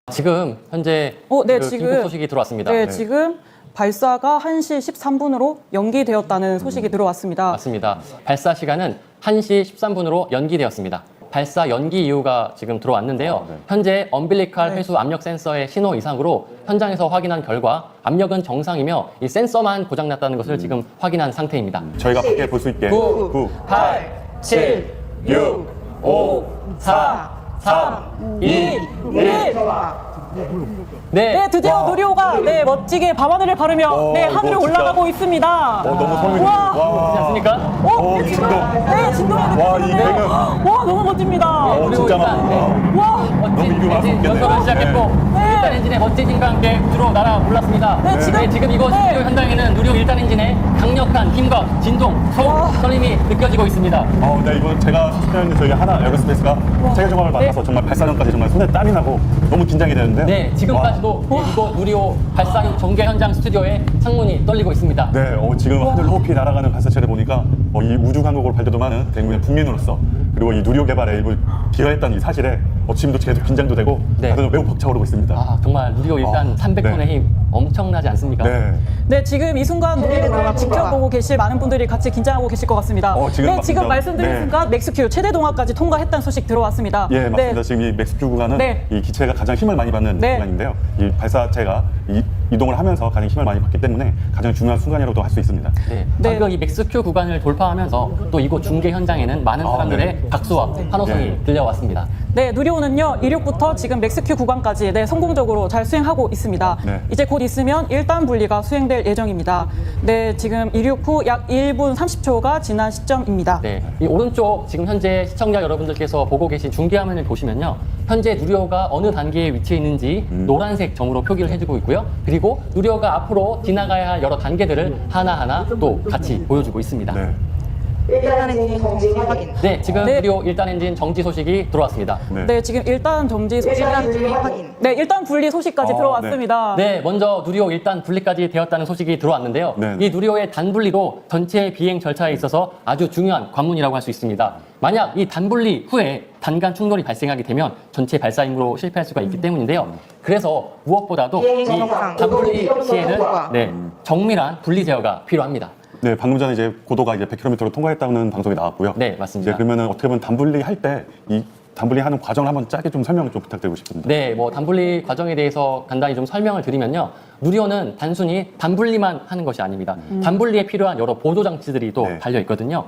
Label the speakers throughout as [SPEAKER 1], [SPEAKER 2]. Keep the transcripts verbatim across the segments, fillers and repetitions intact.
[SPEAKER 1] 지금 현재
[SPEAKER 2] 어, 네,
[SPEAKER 1] 그
[SPEAKER 2] 지금
[SPEAKER 1] 긴급 소식이 들어왔습니다.
[SPEAKER 2] 네,
[SPEAKER 1] 네.
[SPEAKER 2] 지금 발사가 한 시 십삼 분으로 연기되었다는 소식이 들어왔습니다.
[SPEAKER 1] 맞습니다. 발사 시간은 한 시 십삼 분으로 연기되었습니다. 발사 연기 이유가 지금 들어왔는데요.
[SPEAKER 3] 아, 네.
[SPEAKER 1] 현재 엄빌리칼
[SPEAKER 2] 네.
[SPEAKER 1] 회수 압력 센서의 신호 이상으로 현장에서 확인한 결과 압력은 정상이며 이 센서만 고장났다는 것을 지금 확인한 상태입니다.
[SPEAKER 3] 저희가 밖에 볼 수 있게
[SPEAKER 1] 구,
[SPEAKER 3] 구,
[SPEAKER 1] 팔, 칠, 육, 오, 사, 삼, 이, 일. 네,
[SPEAKER 2] 네, 드디어
[SPEAKER 3] 와.
[SPEAKER 2] 누리호가 네, 멋지게 밤하늘을 바르며
[SPEAKER 3] 어,
[SPEAKER 2] 네,
[SPEAKER 3] 이거
[SPEAKER 2] 하늘을
[SPEAKER 3] 진짜-
[SPEAKER 2] 올라가고 있습니다.
[SPEAKER 3] 어, 너무 소름이
[SPEAKER 2] 와.
[SPEAKER 3] 돋네요.
[SPEAKER 1] 그렇지 않습니까?
[SPEAKER 2] 어,
[SPEAKER 3] 어,
[SPEAKER 2] 네,
[SPEAKER 3] 이
[SPEAKER 2] 진동.
[SPEAKER 3] 진동.
[SPEAKER 2] 네, 진동이
[SPEAKER 3] 와, 이
[SPEAKER 2] 느껴지는데요.
[SPEAKER 3] 배경.
[SPEAKER 2] 와, 너무 멋집니다.
[SPEAKER 3] 어,
[SPEAKER 1] 그리고
[SPEAKER 3] 진짜
[SPEAKER 1] 일단
[SPEAKER 3] 많다.
[SPEAKER 1] 네,
[SPEAKER 2] 와.
[SPEAKER 1] 멋진
[SPEAKER 3] 이거
[SPEAKER 1] 엔진
[SPEAKER 3] 맛없겠네.
[SPEAKER 1] 연소를 시작했고
[SPEAKER 2] 네.
[SPEAKER 1] 일단 엔진의 멋진 힘과 함께 우주로 날아 올랐습니다.
[SPEAKER 2] 네, 지금-
[SPEAKER 1] 지금 이곳
[SPEAKER 2] 네.
[SPEAKER 1] 스튜디오 현장에는 누리호 일 단 엔진의 강력한 힘과 진동, 소음, 설림이 느껴지고 있습니다.
[SPEAKER 3] 어, 네, 이번 제가 수십년 저희 하나 에어로스페이스가 세계 종합을 맡아서 정말 발사 전까지 정말 손에 땀이 나고 너무 긴장이 되는데요.
[SPEAKER 1] 네, 지금까지도 네, 이곳 누리호 발사 전개 현장 스튜디오에 창문이 떨리고 있습니다.
[SPEAKER 3] 네, 어, 지금 하늘 높이 날아가는 발사체를 보니까 어, 이 우주 강국을 발돋움하는 대국민 국민으로서 그리고 이 누리호 개발에 일부 기여했다는 이 사실에 어, 지금도 계속 긴장도 되고
[SPEAKER 1] 네.
[SPEAKER 3] 다들 매우 벅차오르고 있습니다.
[SPEAKER 1] 아, 정말 누리호 일단
[SPEAKER 3] 아,
[SPEAKER 1] 삼백 톤의
[SPEAKER 3] 네.
[SPEAKER 1] 힘 엄청나지 않습니까?
[SPEAKER 3] 네.
[SPEAKER 2] 네, 지금 이 순간 누리호를 지켜보고 계실 많은 분들이 같이 긴장하고 계실 것 같습니다.
[SPEAKER 3] 어, 지금
[SPEAKER 2] 네,
[SPEAKER 3] 막
[SPEAKER 2] 지금
[SPEAKER 3] 긴장-
[SPEAKER 2] 말씀드린
[SPEAKER 3] 네.
[SPEAKER 2] 순간 맥스큐 최대 동화까지 통과했다는 소식 들어왔습니다.
[SPEAKER 3] 예, 맞습니다.
[SPEAKER 2] 네.
[SPEAKER 3] 지금 이 맥스큐 구간은
[SPEAKER 2] 네.
[SPEAKER 3] 이 기체가 가장 힘을 많이 받는
[SPEAKER 2] 네.
[SPEAKER 3] 구간인데요. 이 발사체가 이, 이동을 하면서 가장 힘을 많이 받기 때문에 가장 중요한 순간이라고도 할 수 있습니다.
[SPEAKER 1] 네,
[SPEAKER 2] 네.
[SPEAKER 1] 방금 이 맥스큐 구간을 돌파하면서 또 이곳 중계 현장에는 많은
[SPEAKER 3] 아,
[SPEAKER 1] 사람들의
[SPEAKER 3] 네.
[SPEAKER 1] 박수와 환호성이
[SPEAKER 3] 네.
[SPEAKER 1] 들려왔습니다.
[SPEAKER 2] 네, 누리호는요, 이륙부터 지금 맥스큐 구간까지 네, 성공적으로 잘 수행하고 있습니다.
[SPEAKER 3] 네.
[SPEAKER 2] 이제 곧 있으면 일 단 분리가 수행될 예정입니다. 네, 지금 이륙 후 약 일 분 삼십 초가 지난 시점입니다.
[SPEAKER 1] 네, 이 오른쪽 지금 현재 시청자 여러분들께서 보고 계신 중계화면을 보시면요, 현재 누리호가 어느 단계에 위치해 있는지
[SPEAKER 3] 음.
[SPEAKER 1] 노란색 점으로 표기를 해주고 있고요. 그리고 누리호가 앞으로 지나가야 할 여러 단계들을 하나하나 또 같이 보여주고 있습니다.
[SPEAKER 3] 네.
[SPEAKER 4] 일단 엔진 정지 확인.
[SPEAKER 1] 네, 지금
[SPEAKER 2] 네.
[SPEAKER 1] 누리호 일 단 엔진 정지 소식이 들어왔습니다.
[SPEAKER 3] 네.
[SPEAKER 2] 네, 지금 일 단 정지 소식,
[SPEAKER 4] 일단 분리 확인.
[SPEAKER 2] 네, 일 단 분리 소식까지
[SPEAKER 3] 어,
[SPEAKER 2] 들어왔습니다.
[SPEAKER 1] 네, 먼저 누리호 일 단 분리까지 되었다는 소식이 들어왔는데요.
[SPEAKER 3] 네.
[SPEAKER 1] 이 누리호의 단분리도 전체 비행 절차에 있어서 아주 중요한 관문이라고 할 수 있습니다. 만약 이 단분리 후에 단간 충돌이 발생하게 되면 전체 발사 임무로 실패할 수가 있기 때문인데요. 그래서 무엇보다도 이 단분리 시에는 네, 정밀한 분리 제어가 필요합니다.
[SPEAKER 3] 네, 방금 전에 이제 고도가 이제 백 킬로미터로 통과했다는 방송이 나왔고요.
[SPEAKER 1] 네, 맞습니다.
[SPEAKER 3] 이제 그러면은 어떻게 보면 단분리 할 때 이 단분리하는 과정을 한번 짧게 좀 설명을 좀 부탁드리고 싶습니다.
[SPEAKER 1] 네, 뭐 단분리 과정에 대해서 간단히 좀 설명을 드리면요. 누리호는 단순히 단분리만 하는 것이 아닙니다. 단분리에 필요한 여러 보조 장치들이 또
[SPEAKER 3] 네.
[SPEAKER 1] 달려 있거든요.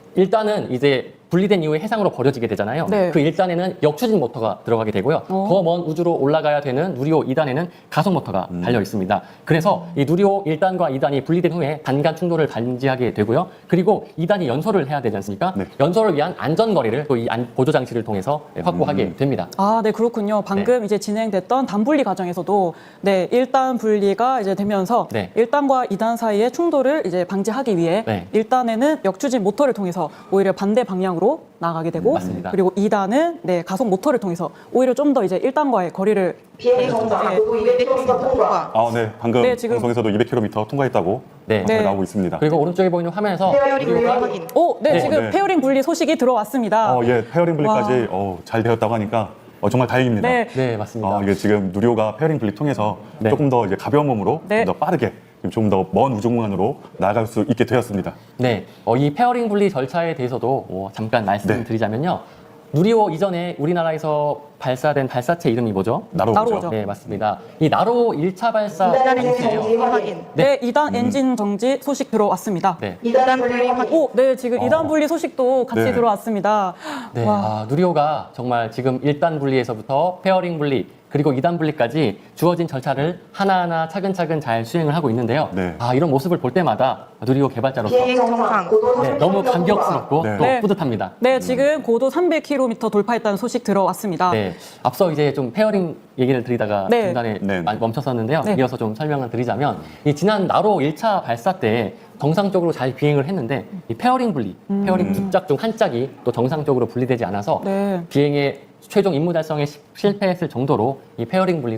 [SPEAKER 1] 일단은 이제 분리된 이후에 해상으로 버려지게 되잖아요.
[SPEAKER 2] 네.
[SPEAKER 1] 그 일 단에는 역추진 모터가 들어가게 되고요.
[SPEAKER 2] 어.
[SPEAKER 1] 더 먼 우주로 올라가야 되는 누리호 이 단에는 가속 모터가 달려 있습니다. 그래서 이 누리호 일 단과 이 단이 분리된 후에 단간 충돌을 방지하게 되고요. 그리고 이 단이 연소를 해야 되지 않습니까?
[SPEAKER 3] 네.
[SPEAKER 1] 연소를 위한 안전 거리를 또 이 보조 장치를 통해서 확보하게 됩니다.
[SPEAKER 2] 아, 네, 그렇군요. 방금 이제 진행됐던 단분리 과정에서도 네, 일 단 분리가 이제 되면서
[SPEAKER 1] 네.
[SPEAKER 2] 일 단과 이 단 사이의 충돌을 이제 방지하기 위해
[SPEAKER 1] 네.
[SPEAKER 2] 일 단에는 역추진 모터를 통해서 오히려 반대 방향으로 나가게 되고
[SPEAKER 1] 맞습니다.
[SPEAKER 2] 그리고 이 단은 네, 가속 모터를 통해서 오히려 좀 더 이제 일 단과의 거리를
[SPEAKER 4] 비행 정상 고도 이백 킬로미터 통과.
[SPEAKER 3] 아, 네, 방금
[SPEAKER 2] 네, 지금-
[SPEAKER 3] 방송에서도 이백 킬로미터 통과했다고
[SPEAKER 1] 네.
[SPEAKER 3] 방송이
[SPEAKER 2] 네.
[SPEAKER 3] 나오고 있습니다.
[SPEAKER 1] 그리고 오른쪽에 보이는 화면에서
[SPEAKER 4] 페어링 분리
[SPEAKER 1] 누리호가
[SPEAKER 4] 확인.
[SPEAKER 2] 오, 네,
[SPEAKER 1] 네.
[SPEAKER 2] 지금
[SPEAKER 3] 어, 네.
[SPEAKER 2] 페어링 분리 소식이 들어왔습니다.
[SPEAKER 3] 어, 예, 페어링 분리까지 어, 잘 되었다고 하니까 어, 정말 다행입니다.
[SPEAKER 2] 네.
[SPEAKER 1] 네, 맞습니다.
[SPEAKER 3] 어, 이게 지금 누리호가 페어링 분리 통해서
[SPEAKER 1] 네.
[SPEAKER 3] 조금 더 이제 가벼운 몸으로
[SPEAKER 2] 네.
[SPEAKER 3] 좀 더 빠르게 좀 더 먼 우주 공간으로 나아갈 수 있게 되었습니다.
[SPEAKER 1] 네, 어, 이 페어링 분리 절차에 대해서도 어, 잠깐 말씀드리자면요.
[SPEAKER 3] 네.
[SPEAKER 1] 누리호 이전에 우리나라에서 발사된 발사체 이름이 뭐죠?
[SPEAKER 3] 나로우죠.
[SPEAKER 2] 나로우죠.
[SPEAKER 1] 네, 맞습니다. 이 나로우 일 차 발사
[SPEAKER 4] 일단 엔진
[SPEAKER 1] 장치예요.
[SPEAKER 4] 정지 확인.
[SPEAKER 2] 네, 이 단 엔진 정지 소식 들어왔습니다.
[SPEAKER 1] 네,
[SPEAKER 4] 이단 분리 확인.
[SPEAKER 2] 오, 네, 지금 이 단
[SPEAKER 3] 어.
[SPEAKER 2] 분리 소식도 같이
[SPEAKER 3] 네.
[SPEAKER 2] 들어왔습니다.
[SPEAKER 1] 네,
[SPEAKER 2] 와.
[SPEAKER 1] 아, 누리호가 정말 지금 일 단 분리에서부터 페어링 분리 그리고 이 단 분리까지 주어진 절차를 하나하나 차근차근 잘 수행을 하고 있는데요.
[SPEAKER 3] 네.
[SPEAKER 1] 아, 이런 모습을 볼 때마다 누리호 개발자로서
[SPEAKER 4] 비행 정상 고도
[SPEAKER 1] 네,
[SPEAKER 4] 삼백
[SPEAKER 1] 너무
[SPEAKER 4] 킬로미터
[SPEAKER 1] 감격스럽고
[SPEAKER 3] 네.
[SPEAKER 1] 또
[SPEAKER 2] 네.
[SPEAKER 1] 뿌듯합니다.
[SPEAKER 2] 네, 지금 고도 삼백 킬로미터 돌파했다는 소식 들어왔습니다.
[SPEAKER 1] 네, 앞서 이제 좀 페어링 얘기를 드리다가
[SPEAKER 2] 네.
[SPEAKER 1] 중간에
[SPEAKER 3] 네.
[SPEAKER 1] 많이 멈췄었는데요.
[SPEAKER 2] 네.
[SPEAKER 1] 이어서 좀 설명을 드리자면 이 지난 나로 일 차 발사 때 정상적으로 잘 비행을 했는데 이 페어링 분리, 페어링 두 짝 중 한 짝이 또 정상적으로 분리되지 않아서
[SPEAKER 2] 네.
[SPEAKER 1] 비행의 최종 임무 달성에 시- 실패했을 정도로 이 페어링 분리도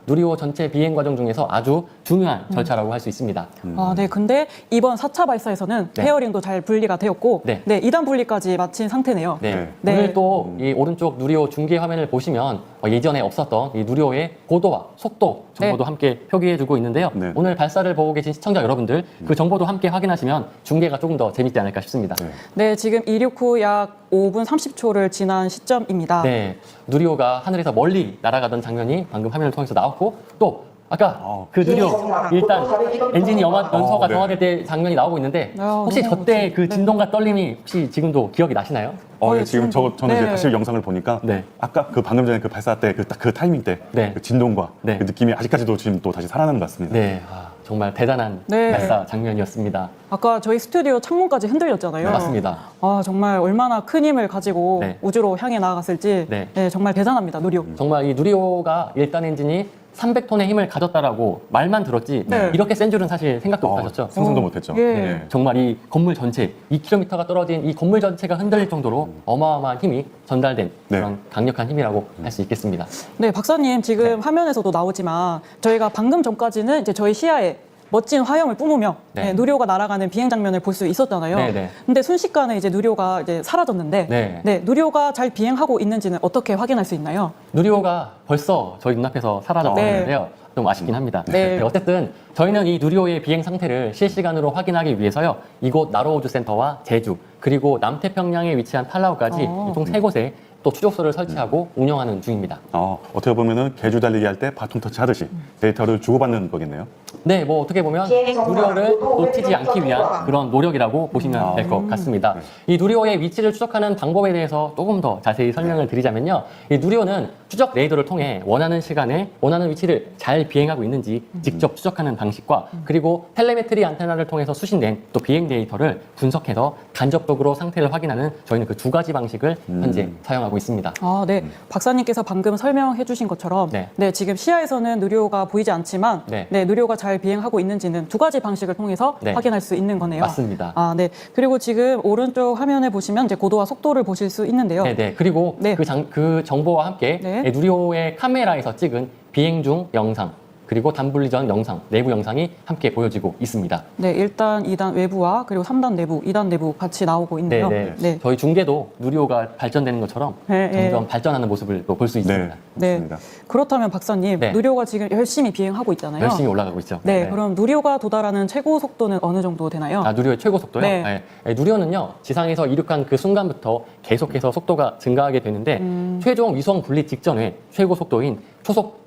[SPEAKER 1] 누리호 전체 비행 과정 중에서 아주 중요한 절차라고 할 수 있습니다.
[SPEAKER 2] 아, 네. 근데 이번 사 차 발사에서는
[SPEAKER 1] 네.
[SPEAKER 2] 페어링도 잘 분리가 되었고,
[SPEAKER 1] 네.
[SPEAKER 2] 네, 이 단 분리까지 마친 상태네요.
[SPEAKER 1] 네.
[SPEAKER 2] 네.
[SPEAKER 1] 오늘 또 이 오른쪽 누리호 중계 화면을 보시면 어, 예전에 없었던 이 누리호의 고도와 속도 정보도
[SPEAKER 2] 네.
[SPEAKER 1] 함께 표기해주고 있는데요.
[SPEAKER 3] 네.
[SPEAKER 1] 오늘 발사를 보고 계신 시청자 여러분들 그 정보도 함께 확인하시면 중계가 조금 더 재밌지 않을까 싶습니다.
[SPEAKER 3] 네.
[SPEAKER 2] 네, 지금 이륙 후 약 오 분 삼십 초를 지난 시점입니다.
[SPEAKER 1] 네, 누리호가 하늘에서 멀리 날아가던 장면이 방금 화면을 통해서 나왔고 또 아까
[SPEAKER 3] 어.
[SPEAKER 1] 그 누리호 일단 엔진이 영화 연소가
[SPEAKER 3] 어, 네.
[SPEAKER 1] 정화될 때 장면이 나오고 있는데
[SPEAKER 2] 아,
[SPEAKER 1] 혹시
[SPEAKER 2] 너무
[SPEAKER 1] 저때 그
[SPEAKER 2] 멋지- 네.
[SPEAKER 1] 진동과 떨림이 혹시 지금도 기억이 나시나요?
[SPEAKER 3] 어,
[SPEAKER 2] 어,
[SPEAKER 3] 예, 지금
[SPEAKER 2] 지금
[SPEAKER 3] 저, 저는
[SPEAKER 2] 네.
[SPEAKER 3] 이제 다시 영상을 보니까
[SPEAKER 1] 네.
[SPEAKER 3] 아까 그 방금 전에 그 발사 때 그 딱 그 타이밍 때
[SPEAKER 1] 네.
[SPEAKER 3] 그 진동과
[SPEAKER 1] 네.
[SPEAKER 3] 그 느낌이 아직까지도 지금 또 다시 살아나는 것 같습니다.
[SPEAKER 1] 네, 아, 정말 대단한
[SPEAKER 2] 네.
[SPEAKER 1] 발사 장면이었습니다.
[SPEAKER 2] 아까 저희 스튜디오 창문까지 흔들렸잖아요.
[SPEAKER 1] 네, 맞습니다.
[SPEAKER 2] 아, 정말 얼마나 큰 힘을 가지고
[SPEAKER 1] 네.
[SPEAKER 2] 우주로 향해 나아갔을지
[SPEAKER 1] 네.
[SPEAKER 2] 네, 정말 대단합니다, 누리호.
[SPEAKER 1] 정말 이 누리호가 일 단 엔진이 삼백 톤의 힘을 가졌다라고 말만 들었지
[SPEAKER 2] 네.
[SPEAKER 1] 이렇게 센 줄은 사실 생각도
[SPEAKER 3] 어,
[SPEAKER 1] 못하셨죠.
[SPEAKER 3] 상상도
[SPEAKER 2] 어,
[SPEAKER 3] 못했죠.
[SPEAKER 2] 예.
[SPEAKER 3] 네.
[SPEAKER 1] 정말 이 건물 전체 이 킬로미터가 떨어진 이 건물 전체가 흔들릴 정도로 어마어마한 힘이 전달된
[SPEAKER 3] 네.
[SPEAKER 1] 그런 강력한 힘이라고 할 수 있겠습니다.
[SPEAKER 2] 네, 박사님 지금 화면에서도 나오지만 저희가 방금 전까지는 이제 저희 시야에 멋진 화염을 뿜으며
[SPEAKER 1] 네.
[SPEAKER 2] 네, 누리호가 날아가는 비행 장면을 볼 수 있었잖아요.
[SPEAKER 1] 네, 네.
[SPEAKER 2] 근데 순식간에 이제 누리호가 이제 사라졌는데
[SPEAKER 1] 네.
[SPEAKER 2] 네, 누리호가 잘 비행하고 있는지는 어떻게 확인할 수 있나요?
[SPEAKER 1] 누리호가 벌써 저희 눈앞에서 사라져버렸는데요. 좀 아쉽긴 합니다.
[SPEAKER 2] 네.
[SPEAKER 1] 네, 어쨌든 저희는 이 누리호의 비행 상태를 실시간으로 확인하기 위해서요. 이곳 나로우주 센터와 제주 그리고 남태평양에 위치한 팔라우까지
[SPEAKER 2] 어.
[SPEAKER 1] 총 세 곳에 또 추적소를 설치하고 운영하는 중입니다.
[SPEAKER 3] 어, 어떻게 보면은 개주 달리기 할 때 바통 터치 하듯이 데이터를 주고받는 거겠네요.
[SPEAKER 1] 네, 뭐 어떻게 보면 누리호를 놓치지 않기 위한 그런 노력이라고 보시면 될 것 같습니다. 이 누리호의 위치를 추적하는 방법에 대해서 조금 더 자세히 설명을 드리자면요. 이 누리호는 추적 레이더를 통해 원하는 시간에 원하는 위치를 잘 비행하고 있는지 직접 추적하는 방식과 그리고 텔레메트리 안테나를 통해서 수신된 또 비행 데이터를 분석해서 간접적으로 상태를 확인하는 저희는 그 두 가지 방식을 현재 사용하고 있습니다.
[SPEAKER 2] 아, 네. 박사님께서 방금 설명해 주신 것처럼
[SPEAKER 1] 네.
[SPEAKER 2] 네, 지금 시야에서는 누리호가 보이지 않지만
[SPEAKER 1] 네.
[SPEAKER 2] 네, 누리호가 잘 비행하고 있는지는 두 가지 방식을 통해서
[SPEAKER 1] 네.
[SPEAKER 2] 확인할 수 있는 거네요.
[SPEAKER 1] 맞습니다.
[SPEAKER 2] 아, 네. 그리고 지금 오른쪽 화면에 보시면 이제 고도와 속도를 보실 수 있는데요.
[SPEAKER 1] 네네. 그리고
[SPEAKER 2] 네.
[SPEAKER 1] 그, 장, 그 정보와 함께
[SPEAKER 2] 네.
[SPEAKER 1] 네, 누리호의 카메라에서 찍은 비행 중 영상 그리고 단분리 전 영상, 내부 영상이 함께 보여지고 있습니다.
[SPEAKER 2] 네, 일 단, 이 단 외부와 그리고 삼 단 내부, 이 단 내부 같이 나오고 있네요.
[SPEAKER 1] 네네.
[SPEAKER 2] 네.
[SPEAKER 1] 저희 중계도 누리호가 발전되는 것처럼
[SPEAKER 2] 네, 네.
[SPEAKER 1] 점점 발전하는 모습을 또 볼 수
[SPEAKER 3] 네,
[SPEAKER 1] 있습니다.
[SPEAKER 2] 네.
[SPEAKER 3] 맞습니다.
[SPEAKER 2] 그렇다면 박사님,
[SPEAKER 1] 네.
[SPEAKER 2] 누리호가 지금 열심히 비행하고 있잖아요.
[SPEAKER 1] 열심히 올라가고 있죠.
[SPEAKER 2] 네, 그럼 누리호가 도달하는 최고 속도는 어느 정도 되나요?
[SPEAKER 1] 아, 누리호의 최고 속도요?
[SPEAKER 2] 네.
[SPEAKER 1] 네. 네, 누리호는요, 지상에서 이륙한 그 순간부터 계속해서 속도가 증가하게 되는데,
[SPEAKER 2] 음.
[SPEAKER 1] 최종 위성 분리 직전에 최고 속도인 초속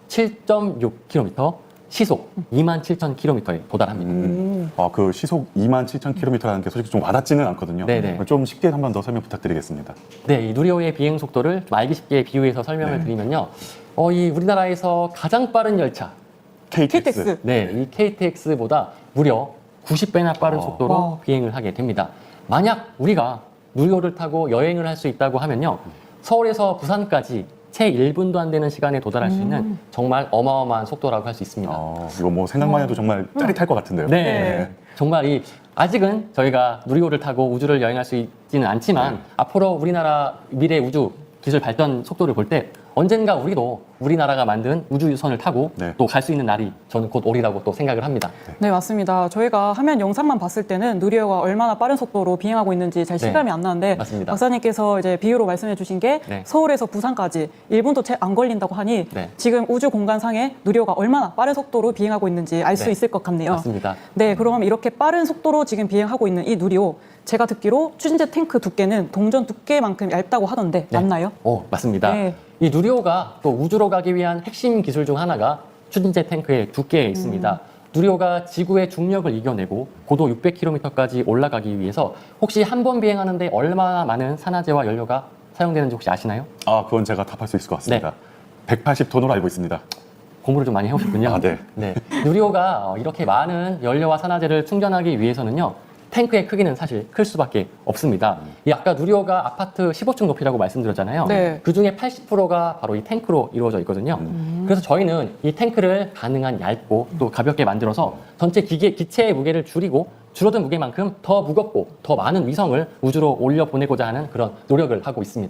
[SPEAKER 1] 칠 점 육 킬로미터, 시속 이만 칠천 킬로미터에 도달합니다.
[SPEAKER 3] 음. 어, 그 시속 이만 칠천 킬로미터라는 게 솔직히 좀 와닿지는 않거든요.
[SPEAKER 1] 네네.
[SPEAKER 3] 좀 쉽게 한 번 더 설명 부탁드리겠습니다.
[SPEAKER 1] 네, 이 누리호의 비행 속도를 좀 알기 쉽게 비유해서 설명을
[SPEAKER 3] 네.
[SPEAKER 1] 드리면요, 어, 이 우리나라에서 가장 빠른 열차,
[SPEAKER 3] 케이티엑스.
[SPEAKER 2] 케이티엑스.
[SPEAKER 1] 네, 이 케이티엑스보다 무려 구십 배나 빠른
[SPEAKER 3] 어.
[SPEAKER 1] 속도로
[SPEAKER 2] 와.
[SPEAKER 1] 비행을 하게 됩니다. 만약 우리가 누리호를 타고 여행을 할 수 있다고 하면요, 서울에서 부산까지 채 일 분도 안 되는 시간에 도달할 수 있는 정말 어마어마한 속도라고 할 수 있습니다.
[SPEAKER 3] 어, 이거 뭐 생각만 해도 정말 짜릿할 것 같은데요.
[SPEAKER 1] 네.
[SPEAKER 2] 네.
[SPEAKER 1] 정말 이 아직은 저희가 누리호를 타고 우주를 여행할 수 있지는 않지만 앞으로 우리나라 미래 우주 기술 발전 속도를 볼 때 언젠가 우리도 우리나라가 만든 우주선을 타고
[SPEAKER 3] 네.
[SPEAKER 1] 또 갈 수 있는 날이 저는 곧 오리라고 또 생각을 합니다.
[SPEAKER 2] 네, 맞습니다. 저희가 화면 영상만 봤을 때는 누리호가 얼마나 빠른 속도로 비행하고 있는지 잘
[SPEAKER 1] 네.
[SPEAKER 2] 실감이 안 나는데
[SPEAKER 1] 맞습니다.
[SPEAKER 2] 박사님께서 이제 비유로 말씀해 주신 게
[SPEAKER 1] 네.
[SPEAKER 2] 서울에서 부산까지 일 분도 채 안 걸린다고 하니
[SPEAKER 1] 네.
[SPEAKER 2] 지금 우주 공간상에 누리호가 얼마나 빠른 속도로 비행하고 있는지 알 수
[SPEAKER 1] 네.
[SPEAKER 2] 있을 것 같네요.
[SPEAKER 1] 맞습니다.
[SPEAKER 2] 네, 그럼 이렇게 빠른 속도로 지금 비행하고 있는 이 누리호, 제가 듣기로 추진제 탱크 두께는 동전 두께만큼 얇다고 하던데
[SPEAKER 1] 네.
[SPEAKER 2] 맞나요?
[SPEAKER 1] 오, 맞습니다.
[SPEAKER 2] 네.
[SPEAKER 1] 이 누리호가 또 우주로 가기 위한 핵심 기술 중 하나가 추진제 탱크의 두께에 있습니다.
[SPEAKER 2] 음.
[SPEAKER 1] 누리호가 지구의 중력을 이겨내고 고도 육백 킬로미터까지 올라가기 위해서 혹시 한 번 비행하는데 얼마나 많은 산화제와 연료가 사용되는지 혹시 아시나요?
[SPEAKER 3] 아, 그건 제가 답할 수 있을 것 같습니다.
[SPEAKER 1] 네.
[SPEAKER 3] 백팔십 톤으로 알고 있습니다.
[SPEAKER 1] 공부를 좀 많이 해오셨군요.
[SPEAKER 3] 아, 네.
[SPEAKER 1] 네. 누리호가 어, 이렇게 많은 연료와 산화제를 충전하기 위해서는요, 탱크의 크기는 사실 클 수밖에 없습니다. 이 아까 누리호가 아파트 십오 층 높이라고 말씀드렸잖아요.
[SPEAKER 2] 네.
[SPEAKER 1] 그 중에 팔십 퍼센트가 바로 이 탱크로 이루어져 있거든요. 그래서 저희는 이 탱크를 가능한 얇고 또 가볍게 만들어서 전체 기계, 기체의 무게를 줄이고 줄어든 무게만큼 더 무겁고 더 많은 위성을 우주로 올려 보내고자 하는 그런 노력을 하고 있습니다.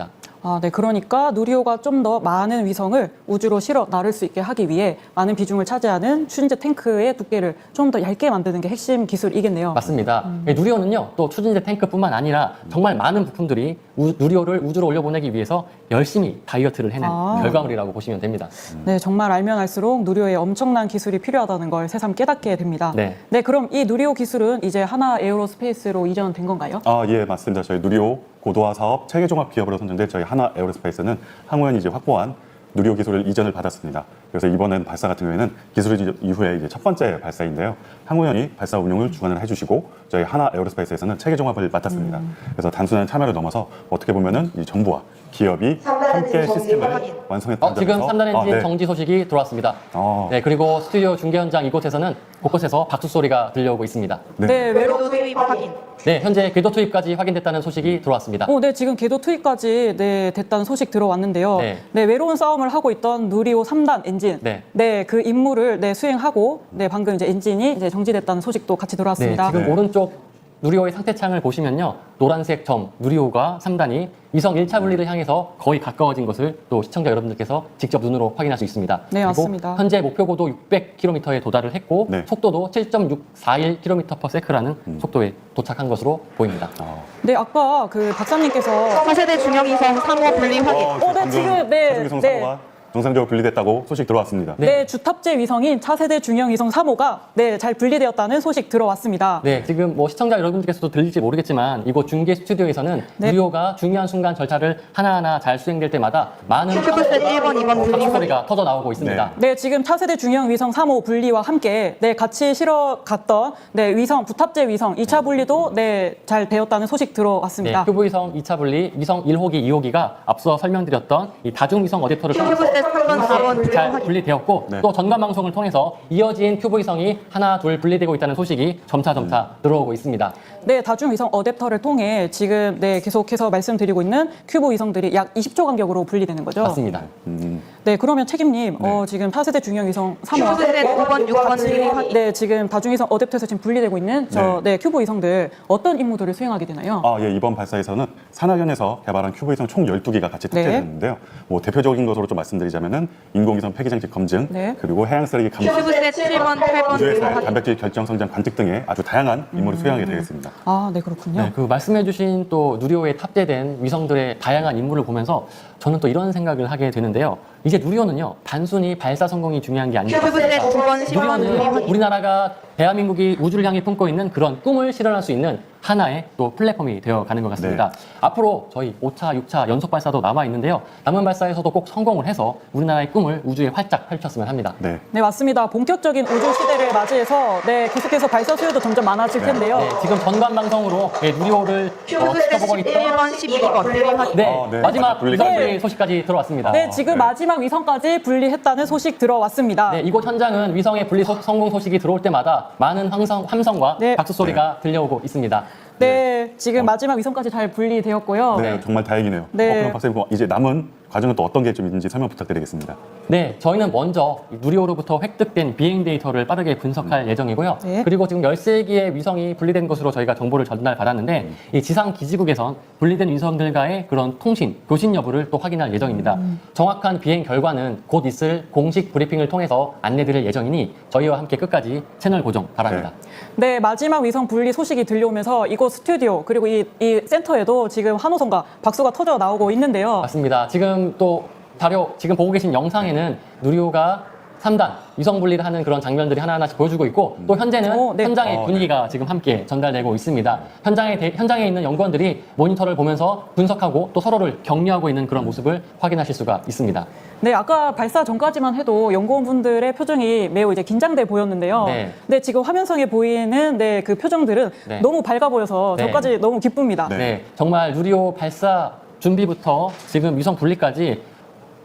[SPEAKER 2] 아, 네. 그러니까 누리호가 좀 더 많은 위성을 우주로 실어 나를 수 있게 하기 위해 많은 비중을 차지하는 추진제 탱크의 두께를 좀 더 얇게 만드는 게 핵심 기술이겠네요.
[SPEAKER 1] 맞습니다. 예, 누리호는요, 또 추진제 탱크뿐만 아니라 정말 많은 부품들이 우, 누리호를 우주로 올려보내기 위해서 열심히 다이어트를 해낸
[SPEAKER 2] 아.
[SPEAKER 1] 결과물이라고 보시면 됩니다.
[SPEAKER 2] 네, 정말 알면 알수록 누리호에 엄청난 기술이 필요하다는 걸 새삼 깨닫게 됩니다.
[SPEAKER 1] 네.
[SPEAKER 2] 네, 그럼 이 누리호 기술은 이제 하나 에어로스페이스로 이전된 건가요?
[SPEAKER 3] 아, 예, 맞습니다. 저희 누리호 고도화 사업 체계 종합 기업으로 선정된 저희 하나 에어로스페이스는 항우연이 이제 확보한 누리호 기술을 이전을 받았습니다. 그래서 이번엔 발사 같은 경우에는 기술 이전 이후에 이제 첫 번째 발사인데요. 항우연이 발사 운용을 주관을 해주시고 저희 하나 에어로스페이스에서는 체계 종합을 맡았습니다.
[SPEAKER 2] 음.
[SPEAKER 3] 그래서 단순한 참여를 넘어서 어떻게 보면은 이 정부와 기업이 함께 시스템을 완성했다는
[SPEAKER 1] 어, 지금
[SPEAKER 3] 점에서
[SPEAKER 1] 삼 단 엔진
[SPEAKER 3] 아, 네.
[SPEAKER 1] 정지 소식이 들어왔습니다.
[SPEAKER 3] 어.
[SPEAKER 1] 네, 그리고 스튜디오 중계 현장 이곳에서는 곳곳에서 박수 소리가 들려오고 있습니다.
[SPEAKER 3] 네.
[SPEAKER 2] 네, 외로
[SPEAKER 4] 궤도 투입 확인.
[SPEAKER 1] 네, 현재 궤도 투입까지 확인됐다는 소식이 들어왔습니다.
[SPEAKER 2] 어, 네, 지금 궤도 투입까지 네, 됐다는 소식 들어왔는데요.
[SPEAKER 1] 네.
[SPEAKER 2] 네. 외로운 싸움을 하고 있던 누리호 삼 단 엔진.
[SPEAKER 1] 네.
[SPEAKER 2] 그 임무를 네, 수행하고 네, 방금 이제 엔진이 이제 정지됐다는 소식도 같이
[SPEAKER 1] 네,
[SPEAKER 2] 들어왔습니다.
[SPEAKER 1] 지금
[SPEAKER 3] 네.
[SPEAKER 1] 오른쪽 누리호의 상태창을 보시면요. 노란색 점 누리호가 삼 단이 위성 일 차 분리를 향해서 거의 가까워진 것을 또 시청자 여러분들께서 직접 눈으로 확인할 수 있습니다.
[SPEAKER 2] 네,
[SPEAKER 1] 그리고
[SPEAKER 2] 맞습니다.
[SPEAKER 1] 현재 목표 고도 육백 킬로미터에 도달을 했고
[SPEAKER 3] 네.
[SPEAKER 1] 속도도 칠 점 육사일 킬로미터 퍼 세컨드라는 속도에 도착한 것으로 보입니다.
[SPEAKER 3] 어.
[SPEAKER 2] 네, 아까 그 박사님께서
[SPEAKER 4] 차세대 중형위성 삼 호 분리 확인.
[SPEAKER 3] 어,
[SPEAKER 2] 네,
[SPEAKER 3] 방금
[SPEAKER 2] 지금, 네,
[SPEAKER 3] 차중위성
[SPEAKER 2] 네.
[SPEAKER 3] 사고가 정상적으로 분리됐다고 소식 들어왔습니다.
[SPEAKER 1] 네.
[SPEAKER 2] 네, 주탑재 위성인 차세대 중형 위성 삼 호가 네, 잘 분리되었다는 소식 들어왔습니다.
[SPEAKER 1] 네, 지금 뭐 시청자 여러분들께서도 들릴지 모르겠지만 이곳 중계 스튜디오에서는
[SPEAKER 2] 네.
[SPEAKER 1] 누리호가 중요한 순간 절차를 하나하나 잘 수행될 때마다 많은
[SPEAKER 4] 큐브셋 일 번, 이 번 분리
[SPEAKER 1] 박수
[SPEAKER 4] 확인.
[SPEAKER 1] 소리가 터져 나오고 있습니다.
[SPEAKER 2] 네, 지금 차세대 중형 위성 삼 호 분리와 함께 네, 같이 실어 갔던 네, 위성 부탑재 위성 이 차 분리도 네, 잘 되었다는 소식
[SPEAKER 1] 네,
[SPEAKER 2] 들어왔습니다.
[SPEAKER 1] 큐브위성 이 차 분리, 위성 일 호기, 이 호기가 앞서 설명드렸던 이 다중위성 어댑터를 통해서
[SPEAKER 4] 큐브셋 삼 번, 사 번 분리
[SPEAKER 1] 잘
[SPEAKER 4] 확인.
[SPEAKER 1] 분리되었고
[SPEAKER 3] 네.
[SPEAKER 1] 또 전관 방송을 통해서 이어진 큐브위성이 하나, 둘 분리되고 있다는 소식이 점차 점차 들어오고 있습니다.
[SPEAKER 2] 네, 다중위성 어댑터를 통해 지금 네, 계속해서 말씀드리고 있는 큐브 위성들이 약 이십 초 간격으로 분리되는 거죠.
[SPEAKER 1] 맞습니다.
[SPEAKER 3] 음,
[SPEAKER 2] 네, 그러면 책임님, 어, 지금 차세대 중형 위성 삼 호와
[SPEAKER 4] 큐브셋 오 번, 육 번 분리 확인.
[SPEAKER 2] 네, 지금 다중위성 어댑터에서 지금 분리되고 있는 저 네, 큐브 위성들 어떤 임무들을 수행하게 되나요?
[SPEAKER 3] 아, 예, 이번 발사에서는 산하연에서 개발한 큐브위성 총 열두 기가 같이
[SPEAKER 2] 네.
[SPEAKER 3] 탑재됐는데요. 뭐 대표적인 것으로 좀 말씀드리자면은 인공위성 폐기장치 검증,
[SPEAKER 2] 네.
[SPEAKER 3] 그리고 해양 쓰레기 감시,
[SPEAKER 4] 큐브셋 칠 번, 팔 번 분리
[SPEAKER 3] 우주에서
[SPEAKER 4] 확인.
[SPEAKER 3] 단백질 결정 성장 관측 등의 아주 다양한 임무를 수행하게 되겠습니다.
[SPEAKER 2] 아, 네, 그렇군요.
[SPEAKER 1] 네, 그 말씀해주신 또 누리호에 탑재된 위성들의 다양한 임무를 보면서 저는 또 이런 생각을 하게 되는데요. 이제 누리호는요, 단순히 발사 성공이 중요한 게 아니라
[SPEAKER 4] 큐브셋 두 번, 십 번 분리
[SPEAKER 1] 누리호는
[SPEAKER 4] 확인.
[SPEAKER 1] 우리나라가 대한민국이 우주를 향해 품고 있는 그런 꿈을 실현할 수 있는 하나의 또 플랫폼이 되어 가는 것 같습니다. 앞으로 저희 오 차, 육 차 연속 발사도 남아 있는데요. 남은 발사에서도 꼭 성공을 해서 우리나라의 꿈을 우주에 활짝 펼쳤으면 합니다.
[SPEAKER 3] 네.
[SPEAKER 2] 네, 맞습니다. 본격적인 우주 시대를 맞이해서 네, 계속해서 발사 수요도 점점 많아질 텐데요.
[SPEAKER 1] 네, 지금 전관 방송으로 네, 누리호를 어,
[SPEAKER 4] 큐브셋
[SPEAKER 1] 지켜보고 있던
[SPEAKER 4] 일 번, 십이 번 분리 확인.
[SPEAKER 1] 네,
[SPEAKER 3] 어, 네.
[SPEAKER 1] 마지막
[SPEAKER 3] 분리가
[SPEAKER 1] 위성
[SPEAKER 3] 네.
[SPEAKER 1] 분리 소식까지 들어왔습니다.
[SPEAKER 2] 네, 지금
[SPEAKER 3] 네.
[SPEAKER 2] 마지막 위성까지 분리했다는 소식 들어왔습니다.
[SPEAKER 1] 네, 이곳 현장은 위성의 분리 소- 성공 소식이 들어올 때마다 많은 함성, 함성과
[SPEAKER 2] 네.
[SPEAKER 1] 박수 소리가 들려오고 있습니다.
[SPEAKER 2] 네, 지금 마지막 위성까지 잘 분리되었고요.
[SPEAKER 3] 네, 정말 다행이네요.
[SPEAKER 2] 네.
[SPEAKER 3] 어, 그럼 박사님, 이제 남은 과정은 또 어떤 게 좀 있는지 설명 부탁드리겠습니다.
[SPEAKER 1] 네, 저희는 먼저 이 누리호로부터 획득된 비행 데이터를 빠르게 분석할 예정이고요.
[SPEAKER 2] 네.
[SPEAKER 1] 그리고 지금 열세 개의 위성이 분리된 것으로 저희가 정보를 전달받았는데 이 지상 기지국에선 분리된 위성들과의 그런 통신, 교신 여부를 또 확인할 예정입니다. 정확한 비행 결과는 곧 있을 공식 브리핑을 통해서 안내드릴 예정이니 저희와 함께 끝까지 채널 고정 바랍니다.
[SPEAKER 2] 네, 마지막 위성 분리 소식이 들려오면서 이곳 스튜디오 그리고 이, 이 센터에도 지금 환호성과 박수가 터져 나오고 있는데요.
[SPEAKER 1] 맞습니다. 지금 또 자료, 지금 보고 계신 영상에는 누리호가 삼 단 위성 분리를 하는 그런 장면들이 하나하나씩 보여주고 있고 또 현재는
[SPEAKER 2] 오, 네.
[SPEAKER 1] 현장의
[SPEAKER 3] 어,
[SPEAKER 1] 분위기가 지금 함께 전달되고 있습니다. 현장에, 대- 현장에 있는 연구원들이 모니터를 보면서 분석하고 또 서로를 격려하고 있는 그런 모습을 확인하실 수가 있습니다.
[SPEAKER 2] 네, 아까 발사 전까지만 해도 연구원분들의 표정이 매우 이제 긴장돼 보였는데요.
[SPEAKER 1] 네.
[SPEAKER 2] 네, 지금 화면상에 보이는 네, 그 표정들은
[SPEAKER 1] 네.
[SPEAKER 2] 너무 밝아 보여서
[SPEAKER 1] 네.
[SPEAKER 2] 저까지 너무 기쁩니다.
[SPEAKER 3] 네.
[SPEAKER 1] 네, 정말 누리호 발사 준비부터 지금 위성 분리까지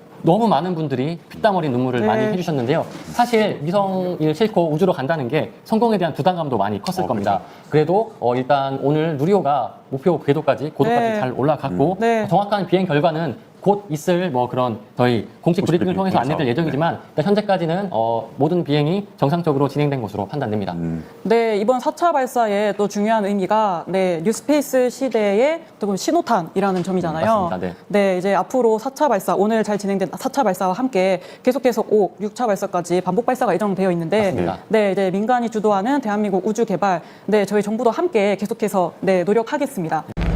[SPEAKER 1] 너무 많은 분들이 피땀 어린 눈물을
[SPEAKER 2] 네.
[SPEAKER 1] 많이 해주셨는데요. 사실 위성을 싣고 우주로 간다는 게 성공에 대한 부담감도 많이 컸을
[SPEAKER 3] 어,
[SPEAKER 1] 겁니다. 그래도 어, 일단 오늘 누리호가 목표 궤도까지 고도까지
[SPEAKER 2] 네.
[SPEAKER 1] 잘 올라갔고
[SPEAKER 2] 네.
[SPEAKER 1] 정확한 비행 결과는 곧 있을 뭐 그런 저희 공식
[SPEAKER 3] 공식
[SPEAKER 1] 브리핑을
[SPEAKER 3] 브리핑,
[SPEAKER 1] 통해서
[SPEAKER 3] 공식
[SPEAKER 1] 안내될
[SPEAKER 3] 사업.
[SPEAKER 1] 예정이지만 일단 현재까지는 어, 모든 비행이 정상적으로 진행된 것으로 판단됩니다.
[SPEAKER 3] 음.
[SPEAKER 2] 네, 이번 사 차 발사의 또 중요한 의미가 네, 뉴스페이스 시대의 또 신호탄이라는 점이잖아요.
[SPEAKER 1] 맞습니다. 네.
[SPEAKER 2] 네, 이제 앞으로 사 차 발사, 오늘 잘 진행된 사 차 발사와 함께 계속해서 오, 육 차 발사까지 반복 발사가 예정되어 있는데
[SPEAKER 1] 맞습니다.
[SPEAKER 2] 네, 이제 민간이 주도하는 대한민국 우주 개발, 네, 저희 정부도 함께 계속해서 네, 노력하겠습니다.